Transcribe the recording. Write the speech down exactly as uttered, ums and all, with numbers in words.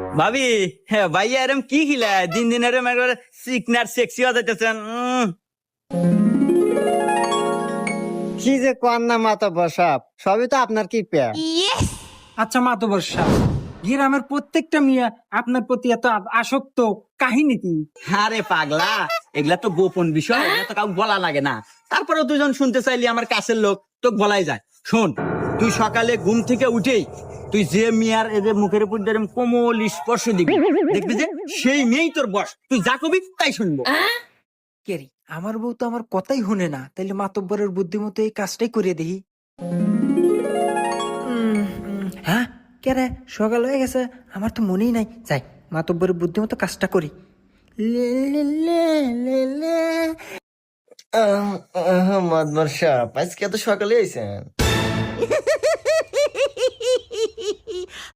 ভাবি, হ্যাঁ ভাইয়া এরম কি খিলা দিন দিন এরম একবার সিকনার সেক্সি হয়ে যাইতেছেন। উম, কি যে কোয়ান না মাতব্বর সাহেব, সবই তো আপনার কি পেয়া। আচ্ছা মাতবর সাহেব, গ্রামের প্রত্যেকটা মিয়া আপনার প্রতি এত আ- আসক্ত, কাহিনী কি? আরে পাগলা, এগুলা তো গোপন বিষয়, এগুলা তো কাউকে বলা লাগে না। তারপরেও দুজন শুনতে চাইলি আমার কাছের লোক, তো বলাই যায়। শোন, তুই সকালে ঘুম থেকে উঠেই তুই যে মিয়ার এদের মুখের উপর যেরকম কোমল স্পর্শ দিবি, দেখবি যে সেই মেয়েই তোর বস। তুই যা কবি তাই শুনবো। কেরি, আমার বউ তো আমার কথাই শুনে না, তাইলে মাতব্বরের বুদ্ধিমতো এই কাজটাই করে দেখি। উম, উম, হ্যাঁ, কে রে, সকাল হয়ে গেছে, আমার তো মনেই নাই। যাই, মাতব্বরের বুদ্ধিমতো কাজটা করি। লে, লে, লে, লে, লে। মাতবর সাহেব, আজকে এত সকালে আইছেন?